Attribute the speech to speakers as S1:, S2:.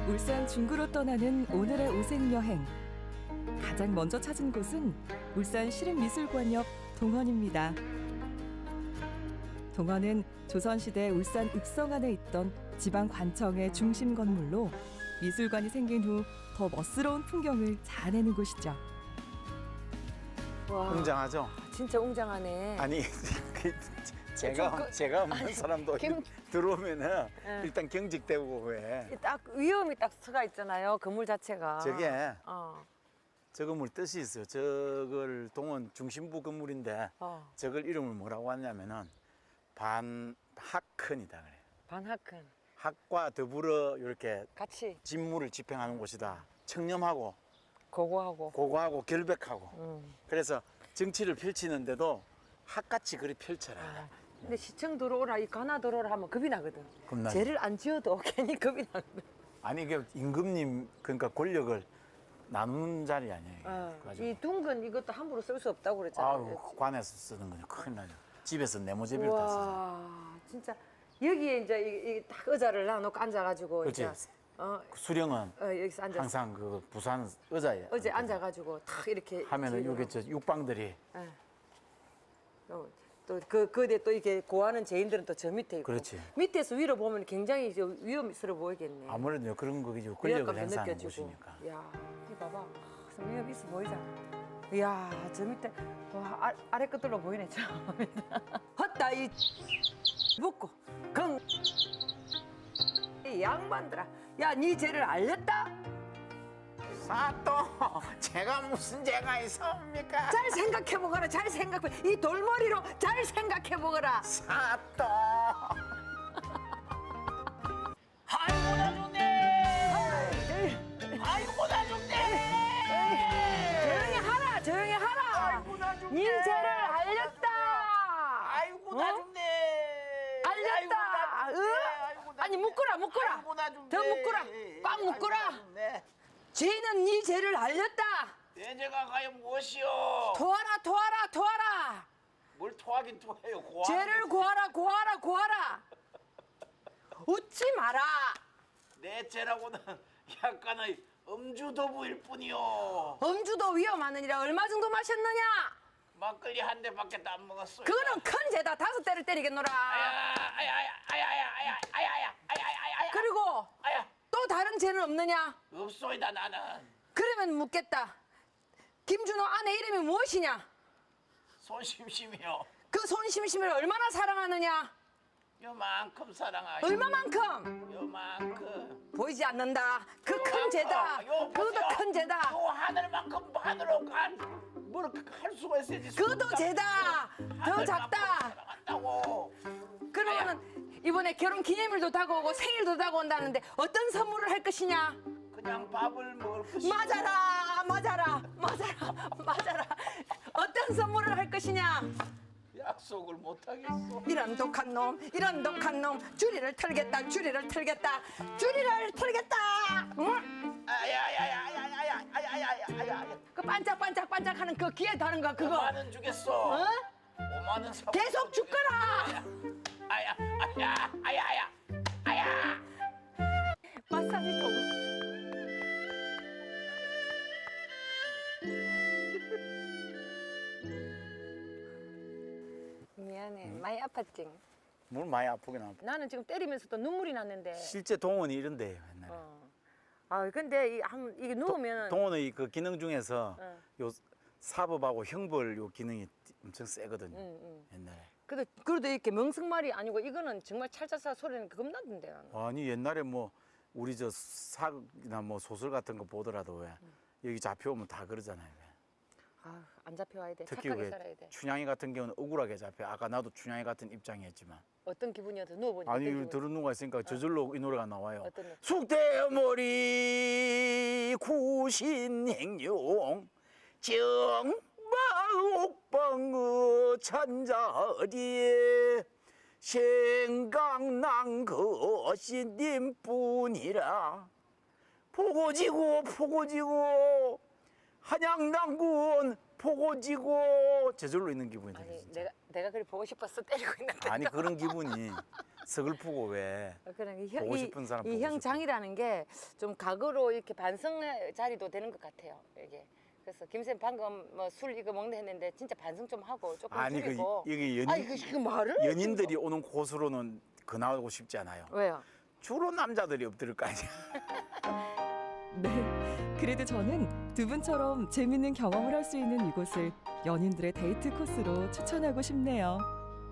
S1: 울산 중구로 떠나는 오늘의 오색 여행. 가장 먼저 찾은 곳은 울산 시립미술관 옆 동원입니다. 동원은 조선시대 울산 읍성안에 있던 지방관청의 중심 건물로 미술관이 생긴 후 더 멋스러운 풍경을 자아내는 곳이죠.
S2: 와,
S3: 웅장하죠?
S2: 진짜 웅장하네.
S3: 아니 제가 없는 사람도 들어오면은
S2: 네.
S3: 일단 경직되고 왜
S2: 딱 위험이 딱 서가 있잖아요. 건물 자체가.
S3: 저게
S2: 어.
S3: 저 건물 뜻이 있어요. 저걸 동원 중심부 건물인데
S2: 어.
S3: 저걸 이름을 뭐라고 하냐면은 반학헌이다 그래요.
S2: 반학헌.
S3: 학과 더불어 이렇게
S2: 같이
S3: 직무를 집행하는 곳이다. 청렴하고
S2: 고고하고.
S3: 고고하고 결백하고. 그래서 정치를 펼치는데도 학같이 그리 펼쳐라.
S2: 아, 근데 시청 들어오라, 이 관아 들어오라 하면 겁이 나거든.
S3: 겁나죠.
S2: 죄를 안 지어도 괜히 겁이 나거든.
S3: 아니 이게 임금님 그러니까 권력을 나누는 자리 아니에요. 이게. 그래가지고
S2: 이 둥근 이것도 함부로 쓸 수 없다고 그랬잖아요.
S3: 아우 관에서 쓰는 거죠. 큰일 나죠. 집에서 네모제비를 다 쓰죠.
S2: 와, 진짜 여기에 이제 딱 의자를 놔놓고 앉아가지고
S3: 그렇지.
S2: 이제
S3: 수령은
S2: 여기서 앉아서
S3: 항상 그 부산 의자에
S2: 어제 앉아가지고 탁 이렇게
S3: 하면은
S2: 뒤로.
S3: 요게 저 육방들이
S2: 그데 또 이렇게 고하는 죄인들은 또 저 밑에 있고.
S3: 그렇지.
S2: 밑에서 위로 보면 굉장히 이제 위험스러워 보이겠네.
S3: 아무래도 그런 거죠. 권력을
S2: 위압감도
S3: 행사하는
S2: 느껴지고.
S3: 곳이니까.
S2: 야, 이 봐봐. 좀 위험 있어 보이잖아. 이야, 저 밑에 와 아래 끝으로 보이네 저. 헛다 이 묻고 이 양반들아. 야, 네 죄를 알렸다?
S3: 사또 제가 무슨 죄가 있습니까?
S2: 잘 생각해 보거라. 잘 생각해. 이 돌머리로 잘 생각해 보거라.
S3: 사또
S4: 아이고 나 좋네. 아이고 나 좋네.
S2: 조용히 하라. 조용히 하라.
S4: 아이고 나 좋네.
S2: 네 죄를 알렸다.
S4: 아이고 나 좋네.
S2: 알렸다.
S4: 아이고, 나 좋네. 아이고, 나
S2: 아니
S4: 좋네.
S2: 묶어라. 묶어라.
S4: 아이고 나 좋네.
S2: 더 묶어라. 꽉 묶어라.
S4: 아이고, 나 좋네.
S2: 죄는 네 죄를 알렸다.
S4: 내 죄가 과연 무엇이오?
S2: 토하라. 토하라. 토하라.
S4: 뭘 토하긴 토해요. 고하는
S2: 죄를
S4: 거지.
S2: 구하라. 구하라. 구하라. 웃지 마라.
S4: 내 죄라고는 약간의 음주도부일 뿐이오.
S2: 음주도 위험하느니라. 얼마 정도 마셨느냐?
S4: 막걸리 한 대밖에 안 먹었어요.
S2: 그거는 큰 죄다. 5대를 때리겠노라.
S4: 아야.
S2: 그리고
S4: 아야.
S2: 또 다른 죄는 없느냐?
S4: 없소이다 나는.
S2: 그러면 묻겠다. 김준호 아내 이름이 무엇이냐?
S4: 손심심이요.
S2: 그 손심심을 얼마나 사랑하느냐?
S4: 요만큼 사랑하요.
S2: 얼마만큼?
S4: 요만큼.
S2: 보이지 않는다. 그 큰 죄다.
S4: 요
S2: 그것도
S4: 보세요.
S2: 큰 죄다.
S4: 요 하늘만큼 하늘로 뭘할 수가 있어야지.
S2: 그것도 죄다. 더 작다.
S4: 사랑한다고.
S2: 그러면은 이번에 결혼 기념일도 다가오고 생일도 다가온다는데 어떤 선물을 할 것이냐?
S4: 그냥 밥을 먹을 것이.
S2: 맞아라. 맞아라. 맞아라. 맞아라. 어떤 선물을 할 것이냐?
S4: 약속을 못 하겠어.
S2: 이런 독한 놈, 이런 독한 놈. 주리를 털겠다. 주리를 털겠다. 주리를 털겠다. 응?
S4: 아야야야야야야야야야야야.
S2: 그 반짝반짝반짝하는 그 귀에 다는 거 그거.
S4: 5만 원 주겠어.
S2: 어?
S4: 5만 원 사.
S2: 계속 죽거라.
S4: 아야.
S2: 마사지 도구. 미안해. 많이 아팠지?
S3: 물 많이 아프긴 아파.
S2: 나는 지금 때리면서도 눈물이 났는데.
S3: 실제 동원이 이런데요 옛날에.
S2: 아 근데 이게 누우면
S3: 동원의 그 기능 중에서
S2: 어.
S3: 요 사법하고 형벌 요 기능이 엄청 세거든요. 옛날에.
S2: 그래도 이렇게 멍석말이 아니고 이거는 정말 찰차차 소리는 겁나던데 나는.
S3: 아니 옛날에 뭐 우리 저 사극이나 뭐 소설 같은 거 보더라도 왜 여기 잡혀오면 다 그러잖아요. 왜.
S2: 안 잡혀와야 돼.
S3: 특히
S2: 착하게
S3: 왜
S2: 살아야 돼.
S3: 춘향이 같은 경우는 억울하게 잡혀. 아까 나도 춘향이 같은 입장이었지만
S2: 어떤 기분이어도 누워보니까.
S3: 아니
S2: 어떤 기분이-
S3: 들은 누가 있으니까 저절로 이 노래가 나와요.
S2: 어떤 노래?
S3: 숙대머리 구신행룡 정마옥방의 찬자리에 생각난 것이 님뿐이라. 포고지고 한양당군 포고지고 저절로 있는 기분이 들어요.
S2: 아니
S3: 진짜.
S2: 내가 그래 보고 싶어서 때리고 있는데.
S3: 아니 그런 기분이 서글프고 왜
S2: 그러니까
S3: 보고 싶은 사람
S2: 이
S3: 보고 싶고.
S2: 형장이라는 게 좀 각오로 이렇게 반성의 자리도 되는 것 같아요. 이게. 그래서 김쌤 방금 뭐 술 이거 먹는 했는데 진짜 반성 좀 하고 조금
S3: 아니 그
S2: 줄이고.
S3: 여기
S2: 아니 그 말을
S3: 연인들이 오는 곳으로는 근하고 싶지 않아요.
S2: 왜요?
S3: 주로 남자들이 엎드릴 거 아니야.
S1: 네, 그래도 저는 두 분처럼 재밌는 경험을 할 수 있는 이곳을 연인들의 데이트 코스로 추천하고 싶네요.